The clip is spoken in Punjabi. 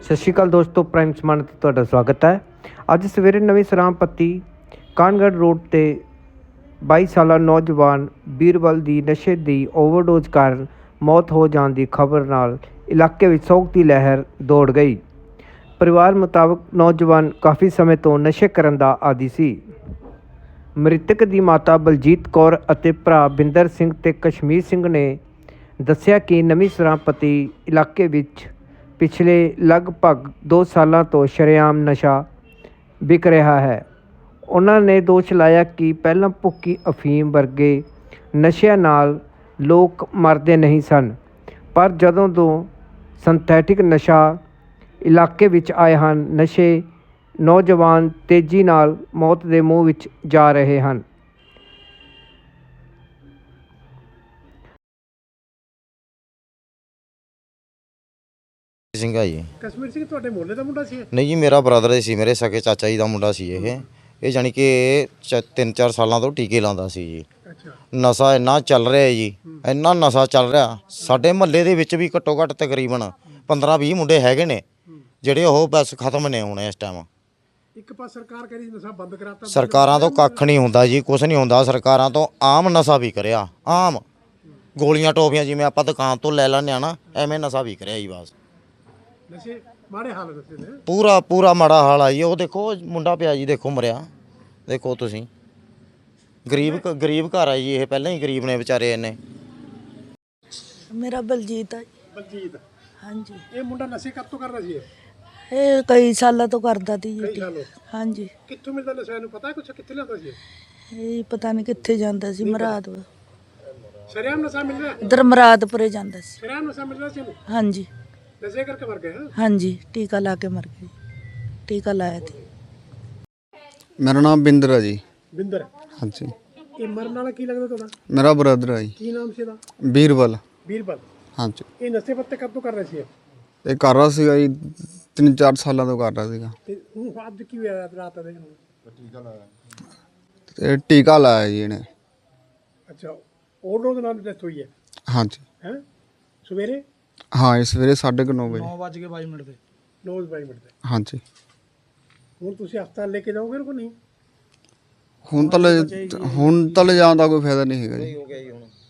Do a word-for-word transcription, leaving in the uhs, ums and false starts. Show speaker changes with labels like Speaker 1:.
Speaker 1: ਸਤਿ ਸ਼੍ਰੀ ਅਕਾਲ ਦੋਸਤੋ, ਪ੍ਰਾਈਮ ਸਮਾਨ 'ਤੇ ਤੁਹਾਡਾ ਸਵਾਗਤ ਹੈ। ਅੱਜ ਸਵੇਰੇ ਨਵੀਂ ਸਰਾਂਪੱਤੀ ਕਾਨਗੜ੍ਹ ਰੋਡ 'ਤੇ ਬਾਈ ਸਾਲਾ ਨੌਜਵਾਨ ਬੀਰਬਲ ਦੀ ਨਸ਼ੇ ਦੀ ਓਵਰਡੋਜ਼ ਕਾਰਨ ਮੌਤ ਹੋ ਜਾਣ ਦੀ ਖਬਰ ਨਾਲ ਇਲਾਕੇ ਵਿੱਚ ਸੋਗ ਦੀ ਲਹਿਰ ਦੌੜ ਗਈ। ਪਰਿਵਾਰ ਮੁਤਾਬਕ ਨੌਜਵਾਨ ਕਾਫੀ ਸਮੇਂ ਤੋਂ ਨਸ਼ੇ ਕਰਨ ਦਾ ਆਦੀ ਸੀ। ਮ੍ਰਿਤਕ ਦੀ ਮਾਤਾ ਬਲਜੀਤ ਕੌਰ ਅਤੇ ਭਰਾ ਬਿੰਦਰ ਸਿੰਘ ਤੇ ਕਸ਼ਮੀਰ ਸਿੰਘ ਨੇ ਦੱਸਿਆ ਕਿ ਨਵੀਂ ਸਰਾਂਪੱਤੀ ਇਲਾਕੇ ਵਿੱਚ ਪਿਛਲੇ ਲਗਭਗ ਦੋ ਸਾਲਾਂ ਤੋਂ ਸ਼ਰੇਆਮ ਨਸ਼ਾ ਵਿਕ ਰਿਹਾ ਹੈ। ਉਹਨਾਂ ਨੇ ਦੋਸ਼ ਲਾਇਆ ਕਿ ਪਹਿਲਾਂ ਭੁੱਕੀ ਅਫੀਮ ਵਰਗੇ ਨਸ਼ਿਆਂ ਨਾਲ ਲੋਕ ਮਰਦੇ ਨਹੀਂ ਸਨ, ਪਰ ਜਦੋਂ ਤੋਂ ਸਿੰਥੈਟਿਕ ਨਸ਼ਾ ਇਲਾਕੇ ਵਿੱਚ ਆਏ ਹਨ, ਨਸ਼ੇ ਨੌਜਵਾਨ ਤੇਜ਼ੀ ਨਾਲ ਮੌਤ ਦੇ ਮੂੰਹ ਵਿੱਚ ਜਾ ਰਹੇ ਹਨ।
Speaker 2: ਸਿੰਘ ਆ ਜੀ।
Speaker 3: ਕਸ਼ਮੀਰ ਸਿੰਘ ਤੁਹਾਡੇ ਮੁਹੱਲੇ ਦਾ ਮੁੰਡਾ ਸੀ?
Speaker 2: ਨਹੀਂ ਜੀ, ਮੇਰਾ ਬ੍ਰਦਰ ਸੀ, ਮੇਰੇ ਸਕੇ ਚਾਚਾ ਜੀ ਦਾ ਮੁੰਡਾ ਸੀ ਇਹ ਇਹ ਜਾਣੀ ਕਿ ਇਹ ਤਿੰਨ ਚਾਰ ਸਾਲਾਂ ਤੋਂ ਟੀਕੇ ਲਾਉਂਦਾ ਸੀ ਜੀ।
Speaker 3: ਅੱਛਾ।
Speaker 2: ਨਸ਼ਾ ਇੰਨਾ ਚੱਲ ਰਿਹਾ ਜੀ, ਇੰਨਾ ਨਸ਼ਾ ਚੱਲ ਰਿਹਾ। ਸਾਡੇ ਮੁਹੱਲੇ ਦੇ ਵਿੱਚ ਵੀ ਘੱਟੋ ਘੱਟ ਤਕਰੀਬਨ ਪੰਦਰਾਂ ਵੀਹ ਮੁੰਡੇ ਹੈਗੇ ਨੇ ਜਿਹੜੇ ਉਹ ਬਸ ਖਤਮ ਨੇ ਹੁਣ ਇਸ ਟਾਈਮ।
Speaker 3: ਇੱਕ ਪਾਸ ਸਰਕਾਰ ਕਹਿੰਦੀ ਨਸ਼ਾ ਬੰਦ ਕਰਾਤਾ,
Speaker 2: ਸਰਕਾਰਾਂ ਤੋਂ ਕੱਖ ਨਹੀਂ ਹੁੰਦਾ ਜੀ, ਕੁਛ ਨਹੀਂ ਹੁੰਦਾ ਸਰਕਾਰਾਂ ਤੋਂ। ਆਮ ਨਸ਼ਾ ਵੀ ਕਰਿਆ, ਆਮ ਗੋਲੀਆਂ ਟੋਫੀਆਂ ਜਿਵੇਂ ਆਪਾਂ ਦੁਕਾਨ ਤੋਂ ਲੈ ਲੈਂਦੇ ਆ ਨਾ, ਐਵੇਂ ਨਸ਼ਾ ਵੀ ਕਰਿਆ ਜੀ। ਬਸ
Speaker 3: ਨਸ਼ੇ ਮਾੜੇ ਹਾਲ ਨਸ਼ੇ ਦੇ
Speaker 2: ਪੂਰਾ ਪੂਰਾ ਮਾੜਾ ਹਾਲ ਆ ਜੀ। ਉਹ ਦੇਖੋ ਮੁੰਡਾ ਪਿਆ ਜੀ, ਦੇਖੋ ਮਰਿਆ, ਦੇਖੋ ਤੁਸੀਂ। ਗਰੀਬ ਗਰੀਬ ਘਰ ਆ ਜੀ ਇਹ, ਪਹਿਲਾਂ ਹੀ ਗਰੀਬ ਨੇ ਵਿਚਾਰੇ ਇਹਨੇ।
Speaker 4: ਮੇਰਾ ਬਲਜੀਤ ਹੈ।
Speaker 3: ਬਲਜੀਤ?
Speaker 4: ਹਾਂਜੀ।
Speaker 3: ਇਹ ਮੁੰਡਾ ਨਸ਼ੇ ਕਦ ਤੋਂ ਕਰਦਾ ਸੀ? ਇਹ
Speaker 4: ਇਹ ਕਈ ਸਾਲਾਂ ਤੋਂ ਕਰਦਾ ਸੀ
Speaker 3: ਕਈ
Speaker 4: ਜੀ।
Speaker 3: ਸਾਲੋਂ?
Speaker 4: ਹਾਂਜੀ।
Speaker 3: ਕਿੱਥੋਂ ਮਿਲਦਾ ਨਸ਼ਾ, ਇਹਨੂੰ ਪਤਾ ਕੁਛ? ਕਿੱਥੇ ਲਿਆਉਂਦਾ ਸੀ?
Speaker 4: ਇਹ ਪਤਾ ਨਹੀਂ ਕਿੱਥੇ ਜਾਂਦਾ ਸੀ। ਮਰਾਦ
Speaker 3: ਸ਼ਰੇਆਮ ਨਸ਼ਾ ਮਿਲ ਰਿਹਾ?
Speaker 4: ਇਧਰ ਮਰਾਦਪੁਰੇ ਜਾਂਦਾ ਸੀ।
Speaker 3: ਸ਼ਰੇਆਮ ਨਸ਼ਾ ਮਿਲ ਰਿਹਾ ਸੀ ਇਹਨੂੰ?
Speaker 4: ਹਾਂਜੀ।
Speaker 3: ਨਸ਼ੇ ਕਰਕੇ ਮਰ ਗਿਆ?
Speaker 4: ਹਾਂਜੀ, ਟੀਕਾ ਲਾ ਕੇ ਮਰ ਗਈ। ਟੀਕਾ ਲਾਇਆ ਸੀ।
Speaker 5: ਮੇਰਾ ਨਾਮ ਬਿੰਦਰ ਹੈ ਜੀ।
Speaker 3: ਬਿੰਦਰ?
Speaker 5: ਹਾਂਜੀ।
Speaker 3: ਇਹ ਮਰਨ ਵਾਲਾ ਕੀ ਲੱਗਦਾ ਤੁਹਾਡਾ?
Speaker 5: ਮੇਰਾ ਬ੍ਰਦਰ ਹੈ ਜੀ।
Speaker 3: ਕੀ ਨਾਮ ਸੀ ਇਹਦਾ?
Speaker 5: ਬੀਰਬਲ।
Speaker 3: ਬੀਰਬਲ?
Speaker 5: ਹਾਂਜੀ।
Speaker 3: ਇਹ ਨਸ਼ੇ ਪੱਤੇ ਕਦ ਤੋਂ ਕਰ ਰਿਹਾ ਸੀ ਇਹ?
Speaker 5: ਇਹ ਕਰ ਰਿਹਾ ਸੀਗਾ ਜੀ, ਤਿੰਨ ਚਾਰ ਸਾਲਾਂ ਤੋਂ ਕਰ ਰਿਹਾ ਸੀਗਾ।
Speaker 3: ਤੇ ਹੁਣ ਅੱਜ ਕੀ ਹੋਇਆ ਰਾਤ ਦੇ?
Speaker 5: ਤੇ ਟੀਕਾ ਲਾਇਆ ਜੀ ਇਹਨੇ।
Speaker 3: ਅੱਛਾ, ਓਵਰਡੋਜ਼ ਨਾਲ ਡੈਥ ਹੋਈ ਹੈ?
Speaker 5: ਹਾਂਜੀ।
Speaker 3: ਹੈ ਸਵੇਰੇ?
Speaker 5: ਹਾਂ, ਇਸ ਸਵੇਰੇ ਸਾਢੇ ਕੁ ਨੌ ਵਜੇ।
Speaker 3: ਨੌ ਵੱਜ ਕੇ ਬਾਈ ਮਿੰਟ ਤੇ? ਨੌ ਬਾਈ ਮਿੰਟ ਤੇ?
Speaker 5: ਹਾਂਜੀ।
Speaker 3: ਹੁਣ ਤੁਸੀਂ ਹਸਪਤਾਲ ਲੈ ਕੇ ਜਾਓਗੇ ਕਿ ਨਹੀਂ?
Speaker 5: ਹੁਣ ਤਾਂ ਲੈ ਹੁਣ ਤਾਂ ਲੈ ਜਾਣ ਦਾ ਕੋਈ ਫਾਇਦਾ ਨਹੀਂ ਹੈਗਾ ਜੀ।
Speaker 2: ਹੋ ਗਿਆ ਜੀ ਹੁਣ।